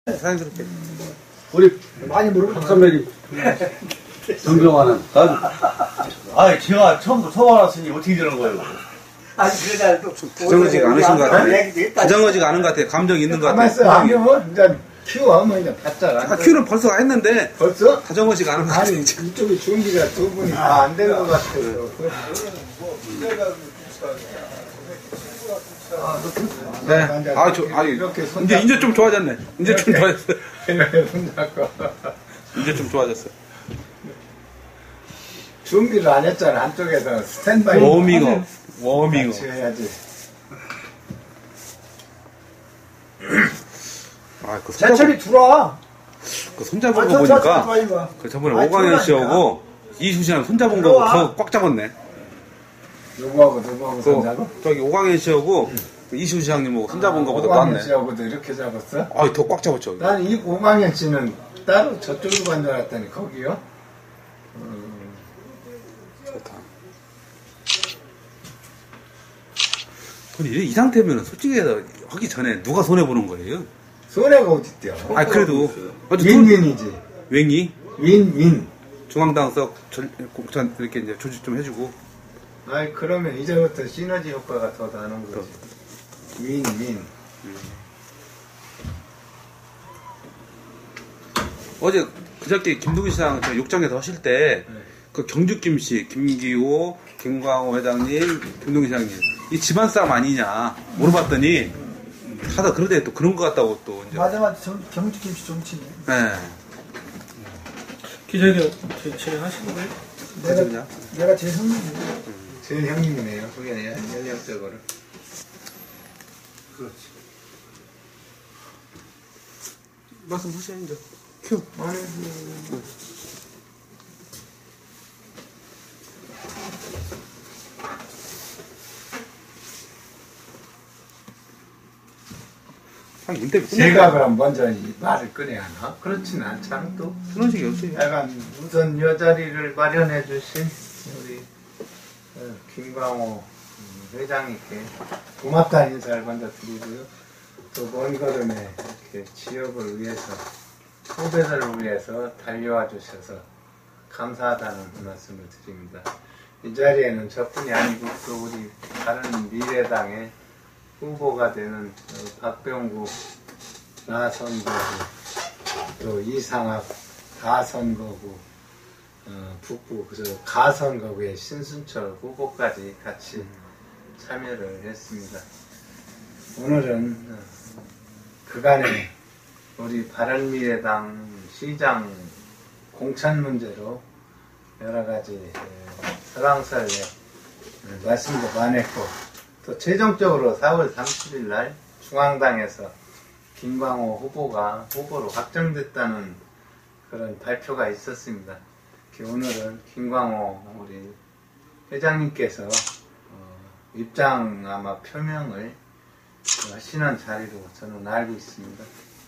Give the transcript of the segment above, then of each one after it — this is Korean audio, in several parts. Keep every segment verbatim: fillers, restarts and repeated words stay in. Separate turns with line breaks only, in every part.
자연스럽게.
우리 많이 모르는 박선배님 존경하는
아, 제가 처음부터 처음 알았으니 어떻게 되는 거예요?
아니 그래도
다정하지가 않으신 것 같아요. 다정하지가 않은 것 같아요. 감정이 있는 것 같아요.
가만 있어. 하면 이제 키워 뭐 이제 봤잖아.
아, 큐는 벌써 했는데
벌써?
다정하지가 않은 것 같아요.
아니 이쪽에 준비가 두 분이 다 안 되는 것 같아요.
네. 아, 저, 아니, 이제, 이제 좀 좋아졌네. 이제 좀 좋아졌어요. 이제 좀 좋아졌어요.
준비를 안 했잖아. 한쪽에서 스탠바이.
워밍업. 워밍업.
같이 해야지.
아, 그
제철이 들어와.
그 손잡은
아,
거
저,
보니까,
저, 저, 저,
그 저번에
아,
오광현 씨하고 이수씨랑 손잡은 거 더 꽉 잡았네.
누구하고 누구하고 손잡아?
그, 저기 오광현 씨하고 그 이수씨 시장님하고 손잡은 거보다
오광현
낫네.
씨하고도 이렇게 잡았어?
아, 더 꽉 잡았죠.
난 이 오광현 씨는 따로 저쪽으로 간 줄 알았더니 거기요? 음.
좋다. 근데 이, 이 상태면은 솔직히 해서 하기 전에 누가 손해보는 거예요?
손해가 어딨대요?
아, 그래도.
윈윈이지.
윙이?
윈윈.
중앙당석 공천 이렇게 이제 조직 좀 해주고.
아이, 그러면 이제부터 시너지 효과가 더 나는 거지. 윈윈.
음. 어제 그저께 김동희 시장 저 욕장에서 하실 때,
네.
그 경주김씨, 김기호, 김광호 회장님, 김동희 시장님, 이 집안 싸움 아니냐 물어봤더니, 하다 그러대 또 그런 것 같다고 또 이제.
맞아 맞아 경주 김치 정치네.
네.
기자님 진행하시는 거예요?
내가,
내가 제일 형님이네.
제일 형님이네요. 그게 아니라 연령적으로.
그렇지. 말씀하셔야 이제. 큐.
아니, 그... 제가 그럼 먼저 이 말을 꺼내야 하나? 그렇진 않잖아, 또.
그런 식이 없어요.
약간 우선 여 자리를 마련해 주신 우리 어, 김광호 회장님께 고맙다는 인사를 먼저 드리고요. 또 먼 걸음에 이렇게 지역을 위해서, 후배들을 위해서 달려와 주셔서 감사하다는 말씀을 드립니다. 이 자리에는 저뿐이 아니고 또 우리 다른 미래당의 후보가 되는 박병구 나선거구, 또 이상학 가선거구, 어, 북부 그래서 가선거구의 신순철 후보까지 같이 참여를 했습니다. 오늘은 어, 그간에 우리 바른미래당 시장 공천 문제로 여러 가지 설왕설래 말씀도 많았고, 또 최종적으로 사월 삼십일 날 중앙당에서 김광호 후보가 후보로 확정됐다는 그런 발표가 있었습니다. 오늘은 김광호 우리 회장님께서 어, 입장 아마 표명을 하시는 자리로 저는 알고 있습니다.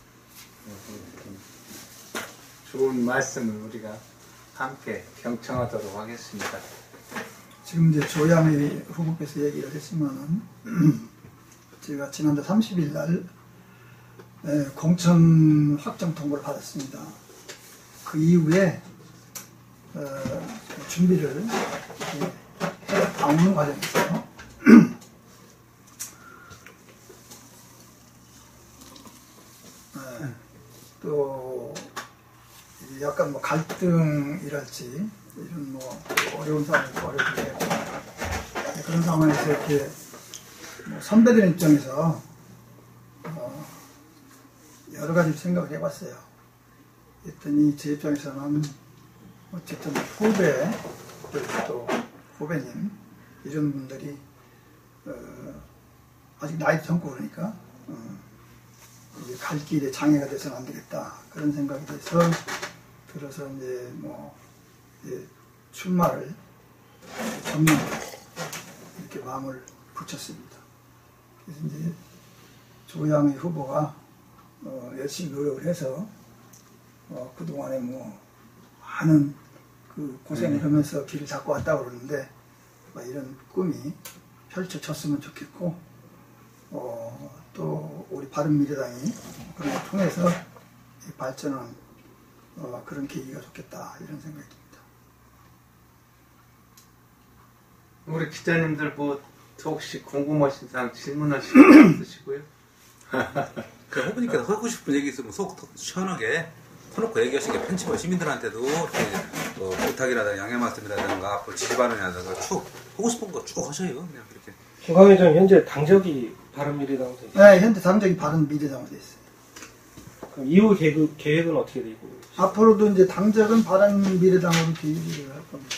좋은 말씀을 우리가 함께 경청하도록 하겠습니다.
지금 이제 조양희 후보께서 얘기를 했지만은 제가 지난달 삼십 일 날 네, 공천 확정 통보를 받았습니다. 그 이후에 어, 준비를 나오는 과정에서 네, 또 약간 뭐 갈등이랄지 이런 뭐 어려운 상황이 어렵게 되고 그런 상황에서 이렇게 뭐 선배들 입장에서 어 여러 가지 생각을 해봤어요. 했더니 제 입장에서는 어쨌든 후배 또 후배님 이런 분들이 어 아직 나이도 젊고 그러니까 어 이제 갈 길에 장애가 돼서는 안 되겠다 그런 생각이 돼서 들어서 이제 뭐 이제 출마를 전면 이렇게 마음을 붙였습니다. 그래서 이제 조양희 후보가 어 열심히 노력을 해서 어 그동안에 뭐 많은 그 고생을 음. 하면서 길을 잡고 왔다고 그러는데 이런 꿈이 펼쳐졌으면 좋겠고 어 또 우리 바른미래당이 그런 걸 통해서 발전하는 어, 그런 계기가 좋겠다 이런 생각이 듭니다.
우리 기자님들 뭐 혹시 궁금하신 사항 질문하실 거 있으시고요?
그 후보님께서 하고 싶은 얘기 있으면 속 시원하게 터놓고 얘기하시게 편집을 시민들한테도 이렇게 뭐 부탁이라든가 양해 말씀이라든가 앞으로 지지 발언이라든가 쭉 하고 싶은 거 쭉 하셔요. 그냥 그렇게.
김광 회장 현재 당적이 바른미래당으로 돼 있어요.
네, 현재 당적이 바른미래당으로 되어 있어요.
그럼 이후 계획, 계획은 어떻게 되고?
앞으로도 이제 당적은 바른미래당으로 유지를 할 겁니다.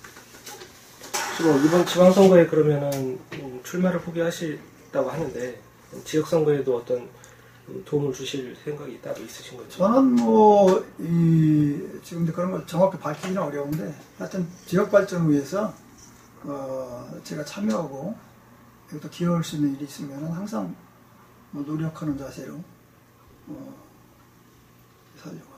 지금 이번 지방선거에 그러면은 음, 출마를 포기하시다고 하는데 지역선거에도 어떤 음, 도움을 주실 생각이 따로 있으신 거죠?
저는 뭐, 이, 지금 그런 걸 정확히 밝히기는 어려운데, 하여튼 지역 발전을 위해서, 어, 제가 참여하고, 여기도 기여할 수 있는 일이 있으면 항상 뭐 노력하는 자세로, 어, 살려고 합니다.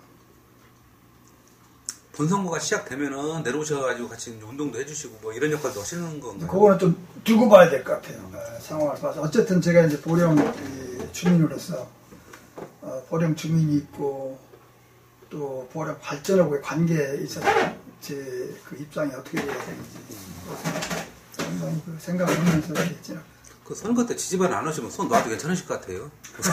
본선거가 시작되면은 내려오셔가지고 같이 이제 운동도 해주시고 뭐 이런 역할도 하시는 건가요?
그거는 좀 두고 봐야 될 것 같아요. 어, 상황을 봐서. 어쨌든 제가 이제 보령 이, 주민으로서, 어, 보령 주민이 있고, 또 보령 발전하고의 관계에 있어서 제 그 입장이 어떻게 돼야 되는지, 상당히 그 생각을 하면서 했죠.
그 선거 때 지지발 안 하시면 손 놔도 괜찮으실 것 같아요.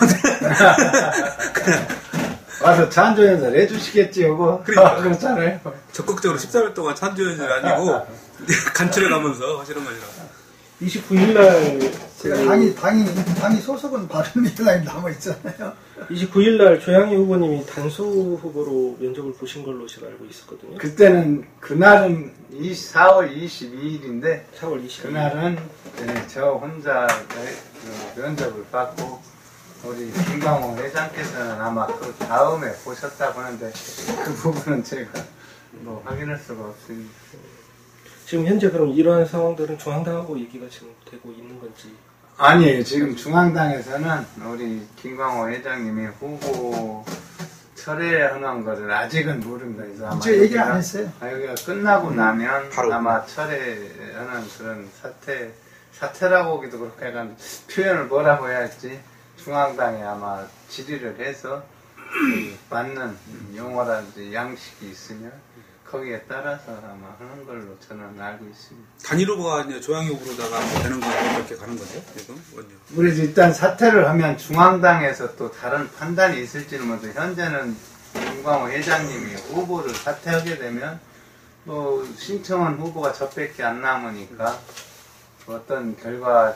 와서 찬조연설 해주시겠지, 요거.
그러니까.
그렇잖아요.
적극적으로 십삼 일 동안 찬조연이 아니고 간추려 가면서 하시는 거니라.
이십구 일 날
제가 당이, 당이, 당이 소속은 바른미래당에 남아있잖아요.
이십구 일 날 조양희 후보님이 단수 후보로 면접을 보신 걸로 제가 알고 있었거든요.
그때는, 그날은 사월 이십이일인데,
사월 이십일 일.
그날은 네, 저 혼자 그 면접을 받고, 우리 김광호 회장께서는 아마 그 다음에 보셨다고 하는데, 그 부분은 제가 뭐 확인할 수가 없습니다.
지금 현재 그럼 이러한 상황들은 중앙당하고 얘기가 지금 되고 있는 건지?
아니에요. 지금 중앙당에서는 우리 김광호 회장님이 후보 철회하는 것을 아직은 모릅니다. 그래서 아마
제가 얘기를
여기가-
안 했어요.
아, 여기가 끝나고 나면
바로.
아마 철회하는 그런 사태, 사태라고 하기도 그렇게 약간 표현을 뭐라고 해야 할지 중앙당에 아마 질의를 해서 그 맞는 용어라든지 양식이 있으면 거기에 따라서 아마 하는 걸로 저는 알고 있습니다.
단일 후보가 이제 조양희 후보로다가 뭐 되는 거 이렇게 가는 거죠? 지금? 원요.
우리 일단 사퇴를 하면 중앙당에서 또 다른 판단이 있을지는 모르죠. 현재는 김광호 회장님이 후보를 사퇴하게 되면 뭐 신청한 후보가 저밖에 안 남으니까 어떤 결과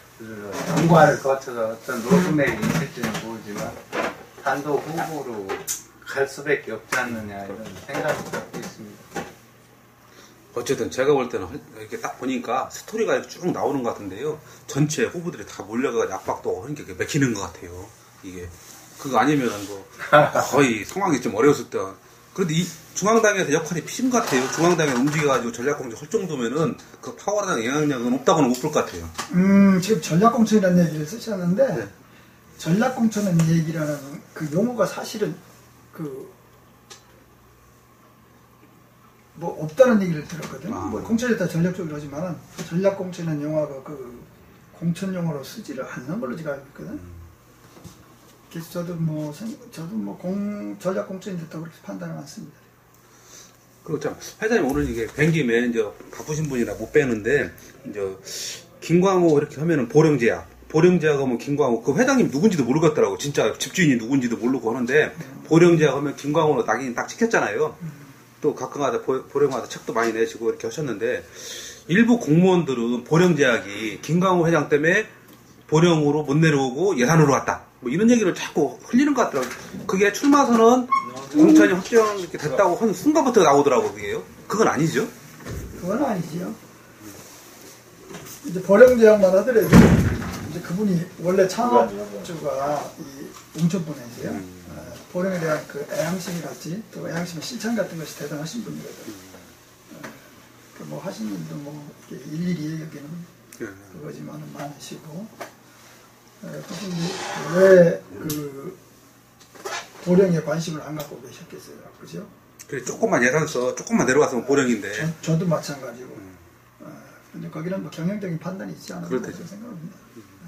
경과를 거쳐서 어떤 로드맵이 있을지는 모르지만 단독 후보로 갈 수밖에 없지 않느냐 이런 생각을 갖고 있습니다.
어쨌든 제가 볼 때는 이렇게 딱 보니까 스토리가 이렇게 쭉 나오는 것 같은데요. 전체 후보들이 다 몰려가지고 압박도 하는 게 맥히는 것 같아요. 이게. 그거 아니면 뭐 거의 상황이 좀 어려웠을 때. 그런데 이 중앙당에서 역할이 피신 것 같아요. 중앙당에 움직여가지고 전략공천 할 정도면은 그 파워랑 영향력은 없다고는 못 볼 것 같아요.
음, 지금 전략공천이라는 얘기를 쓰셨는데,
네.
전략공천은 얘기라는 그 용어가 사실은 그, 뭐, 없다는 얘기를 들었거든요.
아.
뭐, 공천에 따라 전략적으로 하지만, 전략공천은 용어가 그, 공천 용어로 쓰지를 않는 걸로 제가 알고 있거든.
음.
그래서 저도 뭐, 생- 저도 뭐, 공, 전략공천이 됐다고 그렇게 판단을 많습니다.
그렇죠. 회장님 오늘 이게 뵌 김에 이제 바쁘신 분이라 못 뵈는데, 이제 김광호 이렇게 하면은 보령제약. 보령제약 하면 김광호. 그 회장님 누군지도 모르겠더라고. 진짜 집주인이 누군지도 모르고 하는데, 보령제약 하면 김광호로 낙인 딱 찍혔잖아요. 또 가끔가다 보- 보령마다 책도 많이 내시고 이렇게 하셨는데, 일부 공무원들은 보령제약이 김광호 회장 때문에 보령으로 못 내려오고 예산으로 왔다. 뭐 이런 얘기를 자꾸 흘리는 것 같더라고요. 그게 출마 선언 공천이 확정 이렇게 됐다고 하는 순간부터 나오더라고요, 그게요. 그건 아니죠?
그건 아니지요. 이제 보령제약만 하더라도 이제 그분이 원래 창업주가 이 웅천분이세요.
음.
어, 보령에 대한 그 애향심이랄지 또 애향심의 실천 같은 것이 대단하신 분이거든. 어, 그 뭐 하신 일도 뭐 이렇게 일일이 얘기하기는
예.
그거지만은 많으시고 어, 그분이 왜 그 보령에 관심을 안 갖고 계셨겠어요, 그죠?
그래, 조금만 예산 써, 조금만 내려갔으면 보령인데.
저, 저도 마찬가지고. 어, 근데 거기는 뭐 경영적인 판단이 있지 않을까
그렇대죠.
생각합니다.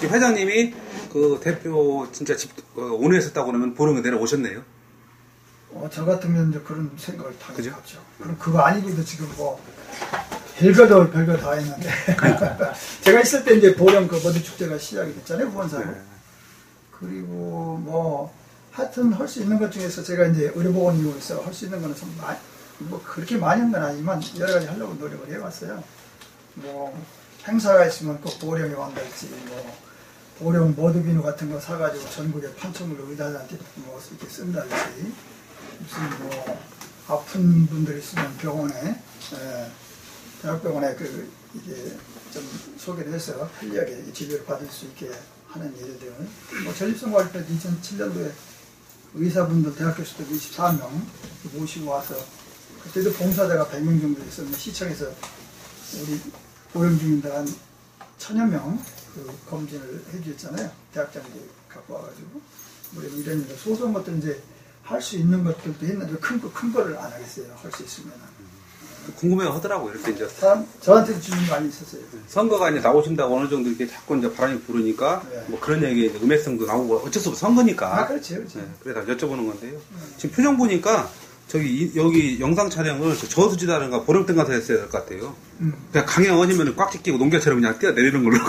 회장님이 그 대표 진짜 집 어, 온회했었다고 그러면 보령에 내려오셨네요.
어, 저 같으면 이제 그런 생각을 당연히
그죠?
하죠. 그럼 그거 아니고도 지금 뭐 별거도 별거 다 했는데 제가 있을 때 이제 보령 그 머드 축제가 시작이 됐잖아요, 후원사로.
네.
그리고 뭐 하여튼 할 수 있는 것 중에서 제가 이제 의료보건 이후에서 할 수 있는 거는 좀 많이, 뭐 그렇게 많이 한 건 아니지만 여러 가지 하려고 노력을 해왔어요. 뭐 행사가 있으면 꼭 보령에 간달지, 뭐 보령 머드비누 같은 거 사가지고 전국의 판촉물로 의사들한테 뭐 이렇게 쓴달지, 무슨 뭐 아픈 분들 있으면 병원에 에, 대학병원에 그 이게 좀 소개를 해서 편리하게 진료를 받을 수 있게 하는 일들. 뭐 전립선 관리 때 이천칠 년도에 의사분들 대학 교수들 이십사 명 모시고 와서 그때도 봉사자가 백 명 정도 있었는데 시청에서 우리 보령 주민들 한 천여 명 그 검진을 해주셨잖아요. 대학장들 갖고 와가지고 우리 이런 이런 소소한 것들 이제 할 수 있는 것들도 했는데 큰 거 큰 거를 안 하겠어요. 할 수 있으면.
궁금해 하더라고요. 이렇게 이제
사람 저한테도 질문 많이 있었어요.
선거가 이제 나오신다고 어느 정도 이렇게 자꾸 이제 바람이 부르니까
네.
뭐 그런 얘기 이제 음해성도 나오고 어쩔 수 없어 선거니까.
아 그렇지, 그렇지.
네, 그래서 여쭤보는 건데요. 지금 표정 보니까 저기 이- 여기 영상 촬영을 저 저수지다든가 보령댐 가서 했어야 될 것 같아요.
음.
그냥 강에 얹으면 꽉 찢기고 농개처럼 그냥 뛰어내리는 걸로.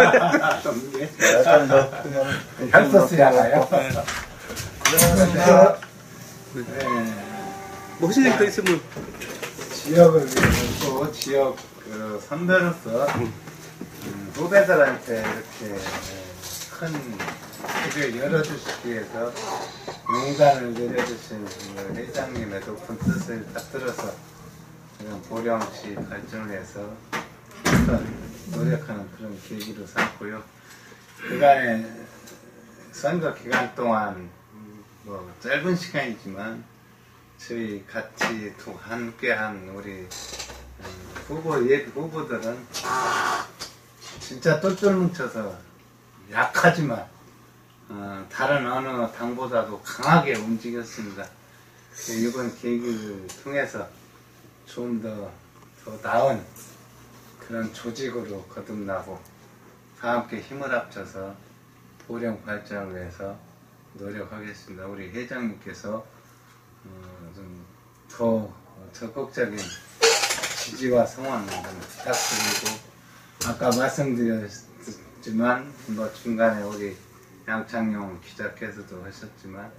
약간 더 그냥
헬스스야가요?
그래서
뭐 하실 얘기 더 있으면
지역을 위해서 또 지역 그 선배로서 음, 후배들한테 이렇게 큰 길을 열어주시기 위해서 용단을 내려주신 그 회장님의 높은 뜻을 딱 들어서 그런 보령시 발전을 위해서 노력하는 그런 계기로 삼고요. 그간에 선거 기간 동안 뭐 짧은 시간이지만 저희 같이 두 함께한 우리 음, 후보 예 후보들은 진짜 똘똘 뭉쳐서 약하지만 어, 다른 어느 당보다도 강하게 움직였습니다. 이번 계기를 통해서 좀 더 더 나은 그런 조직으로 거듭나고 다 함께 힘을 합쳐서 보령 발전을 위해서 노력하겠습니다. 우리 회장님께서 어, 좀 더 적극적인 지지와 성원을 부탁드리고 아까 말씀드렸지만 뭐 중간에 우리 양창용 기자께서도 하셨지만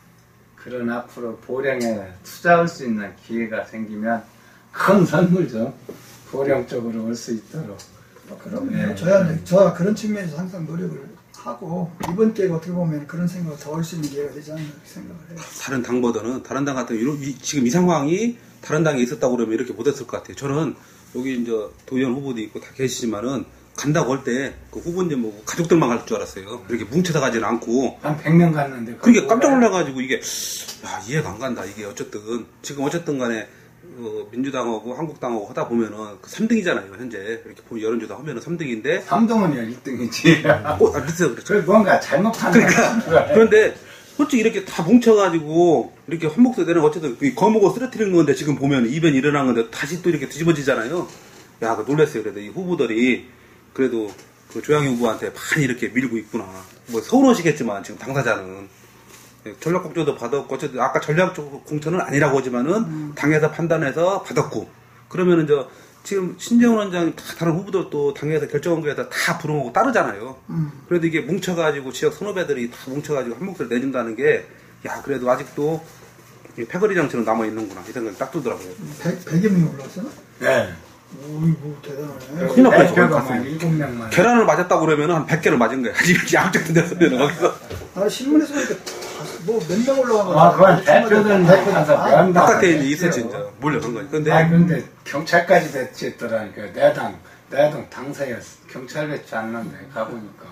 그런 앞으로 보령에 투자할 수 있는 기회가 생기면 큰 선물 좀 보령 쪽으로 올 수 있도록
그럼
네.
저야 저와 그런 측면에서 항상 노력을 하고 이번 기회가 어떻게 보면 그런 생각을 더 할 수 있는 기회가 되지 않나 이렇게 생각을 해요.
다른 당보다는 다른 당 같은 이런 이- 지금 이 상황이 다른 당에 있었다고 그러면 이렇게 못했을 것 같아요. 저는 여기 이제 도의원 후보도 있고 다 계시지만은 간다고 할 때 그 후보님 뭐 가족들만 갈 줄 알았어요. 이렇게 뭉쳐서 가지는 않고.
한 백 명 갔는데
그러니까 깜짝 놀라가지고 이게 야 이해가 안 간다. 이게 어쨌든 지금 어쨌든 간에 어, 민주당하고 한국당하고 하다 보면은 그 삼 등이잖아요. 현재 이렇게 보면 여론조사 하면은 삼 등인데
삼동은요 일 등이지.
어, 아, 밑에서 그렇죠.
그 뭔가 잘못한
그러니까
거야.
그런데 솔직히 이렇게 다 뭉쳐가지고 이렇게 한 목소리 내는 어쨌든 이 거목을 쓰러뜨리는 건데 지금 보면 이변이 일어난 건데 다시 또 이렇게 뒤집어지잖아요. 야, 그 놀랐어요. 그래도 이 후보들이 그래도 그 조양희 후보한테 많이 이렇게 밀고 있구나. 뭐 서운하시겠지만 지금 당사자는 전략공천도 받았고 어쨌든 아까 전략 쪽 공천은 아니라고 하지만은
음.
당에서 판단해서 받았고 그러면은 저 지금 신재원 원장 다 다른 후보들도 당에서 결정한 거에 다 부름하고 따르잖아요.
음.
그래도 이게 뭉쳐가지고 지역 선후배들이 다 뭉쳐가지고 한 목소리 내준다는 게, 야, 그래도 아직도 이 패거리 정치는 남아있는구나. 이 생각이 딱 들더라고요.
백, 백여 명이 올라왔어요?
네.
오이고 대단하네.
큰일 날 뻔했어.
대표가만 일곱 명만.
계란을 맞았다고 그러면 한 백 개를 맞은 거야. 이렇게 양쪽 던졌으면 거기서.
아 신문에서 보니까 뭐 몇 명 올라간 거
아, 그건 대표들은 대표라서 면
바깥에 이제 있었지, 이제. 몰려간 거지. 근데,
아, 근데 경찰까지 배치했더라니까. 내당, 내당 당사였어. 경찰 배치 안 났네. 가보니까.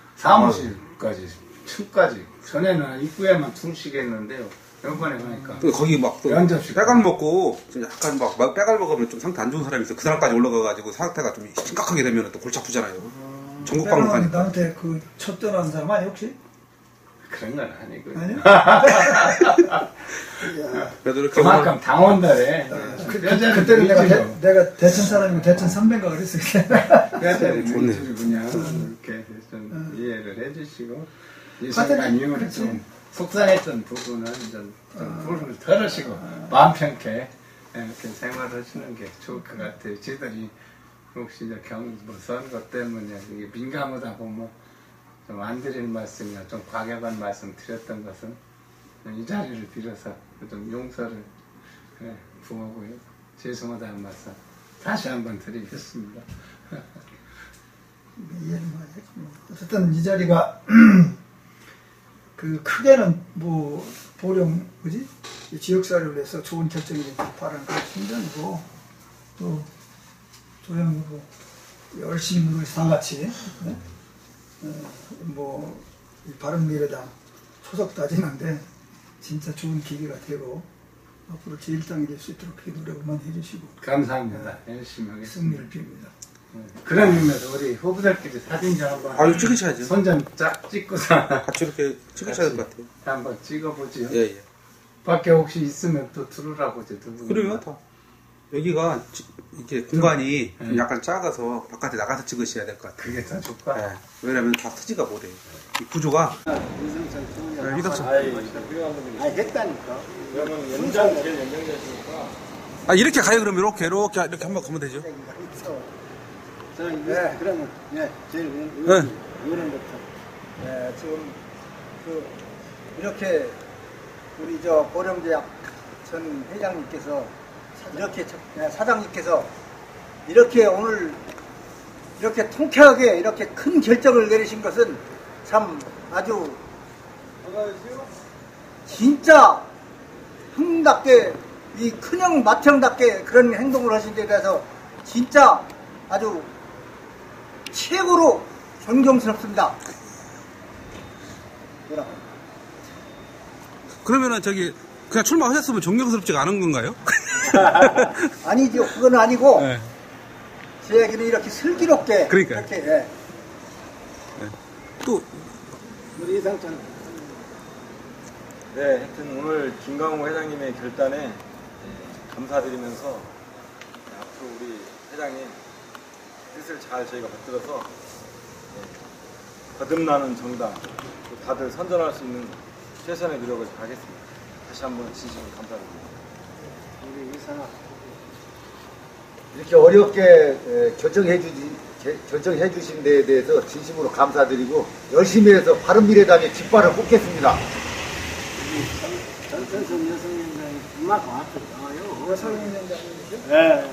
사무실까지, 층까지. 전에는 입구에만 둘씩 했는데요. 이번에 가니까.
또 거기 막, 또
면접식.
빼갈 먹고, 좀 약간 막, 막 빼갈 먹으면 좀 상태 안 좋은 사람이 있어. 그 사람까지 올라가가지고 상태가 좀 심각하게 되면 또 골치 아프잖아요. 전국 방문
빼가는
가니까.
나한테 그 쳤더라는 사람 아니 혹시?
그런 건 아니고.
아니요?
그래도 이렇게.
그만큼 당원들의
그, 그,
뼈저리
그때는 내가,
의지로.
대, 내가 대천 사람이고 대천 선배인가 그랬을 때
뼈저리
좋네.
의지로 그냥 이렇게 좀 잘 해주시고 이
하여튼
순간 이후로
그렇지.
좀 속상했던 부분은 좀, 좀 부름을 덜으시고 마음 편케 이렇게 생활하시는 게 좋을 것 같아요. 저희들이 혹시 이제 경, 뭐 선거 때문에 이게 민감하다고 뭐 좀 안 드릴 말씀이나 좀 과격한 말씀 드렸던 것은 이 자리를 빌어서 좀 용서를 예, 구하고요. 죄송하다는 말씀 다시 한번 드리겠습니다.
이해는 많이 했고. 어쨌든 이 자리가 그 크게는 뭐 보령 뭐지 이 지역사회를 위해서 좋은 결정이 바라는 그런 심정이고 또 조영 후보 열심히 노력해서 다 같이 네? 어, 뭐이 바른미래당 소속 다지는데 진짜 좋은 기회가 되고 앞으로 제일 당이 될 수 있도록 그렇게 노력만 해주시고
감사합니다. 열심히 하겠습니다.
승리를 빕니다.
그런 의미에서 우리 후보들끼리 사진 좀 한번
아유, 찍으셔야죠.
손 좀 쫙 찍고서
같이 이렇게 찍으셔야 될 것 같아요.
한번 찍어보지요.
예, 예.
밖에 혹시 있으면 또 들으라고 이제 두 분.
그래요, 다. 여기가 지- 이렇게 공간이 좀
네.
약간 작아서 바깥에 나가서 찍으셔야 될 것 같아요.
그게 더 좋까?
예. 왜냐면 다 트지가 못해요. 이 구조가. 네, 이덕선.
아, 했다니까.
그러면 연장 제일 연장자시니까
아, 이렇게 가요, 그러면 이렇게, 이렇게, 이렇게 한번 가면 되죠.
저, 네, 그러면, 네, 제일
네.
의원부터.
네, 지금 그 이렇게 우리 저 보령제약 전 회장님께서 이렇게 저- 네, 사장님께서 이렇게 오늘 이렇게 통쾌하게 이렇게 큰 결정을 내리신 것은 참 아주 진짜 형답게 이 큰형 맏형답게 그런 행동을 하신 데 대해서 진짜 아주 최고로 존경스럽습니다. 뭐라고?
그러면은 저기, 그냥 출마하셨으면 존경스럽지가 않은 건가요?
아니죠. 그건 아니고
네.
제 얘기는 이렇게 슬기롭게
그러니까요.
이렇게 예.
또,
우리 이상찬.
네, 하여튼 오늘 김광호 회장님의 결단에 네, 감사드리면서 네, 앞으로 우리 회장님 뜻을 잘 저희가 받들어서 네, 거듭나는 정당, 또 다들 선전할 수 있는 최선의 노력을 다하겠습니다. 다시 한번 진심으로 감사드립니다.
우리 이상아.
이렇게 어렵게 에, 결정해 주지 제- 결정해 주신 데에 대해서 진심으로 감사드리고 열심히 해서 바른미래당의 깃발을 꽂겠습니다.
전선선 여성위원장이 그만큼 앞으로 나와요.
여성위원장님이죠?
네.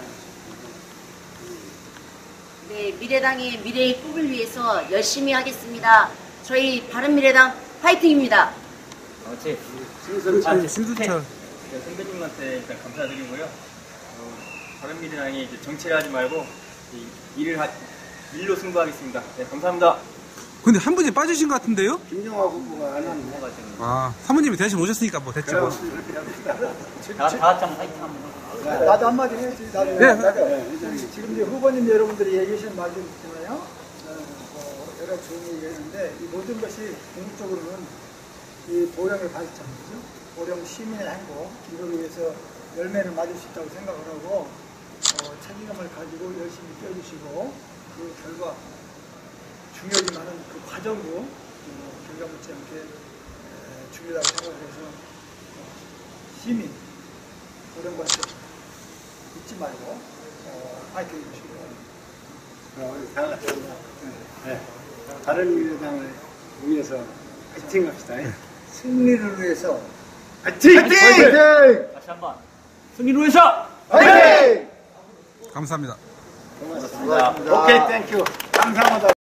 네, 미래당의 미래의 꿈을 위해서 열심히 하겠습니다. 저희 바른미래당 화이팅입니다.
어째
신선찬.
신수철.
선배님한테 일단 감사드리고요. 어, 바른미래당이 이제 정치를 하지 말고 이 일을 하, 일로 승부하겠습니다. 네, 감사합니다.
근데 한 분이 빠지신 것 같은데요?
김영화 후보가 안 하는 거 같아요.
아, 사모님이 대신 오셨으니까 뭐 됐죠. 뭐.
다, 다 같이 한번 화이팅 한번.
나도 한마디 해야지. 나도.
네.
나도. 지금 이제 후보님 여러분들이 얘기하신 말들 있잖아요. 어, 뭐 여러 좋은 얘기 했는데 이 모든 것이 궁극적으로는 이 보령의 발전이죠. 보령 시민의 행복 이걸 위해서 열매를 맞을 수 있다고 생각을 하고 어, 책임감을 가지고 열심히 뛰어주시고 그 결과 중요하지만은 그 과정도 어, 결과 묻지 않게 에, 중요하다고 생각해서 어, 시민 보령 발전 잊지 말고 어, 파이팅 해주시기 바랍니다.
어, 우리 다 같이. 네. 바른미래당을 위해서 파이팅 합시다.
승리를 위해서
파이팅!
파이팅!
다시 한번. 승리로 해서!
파이팅!
감사합니다.
고맙습니다. 오케이, 땡큐. 감사합니다.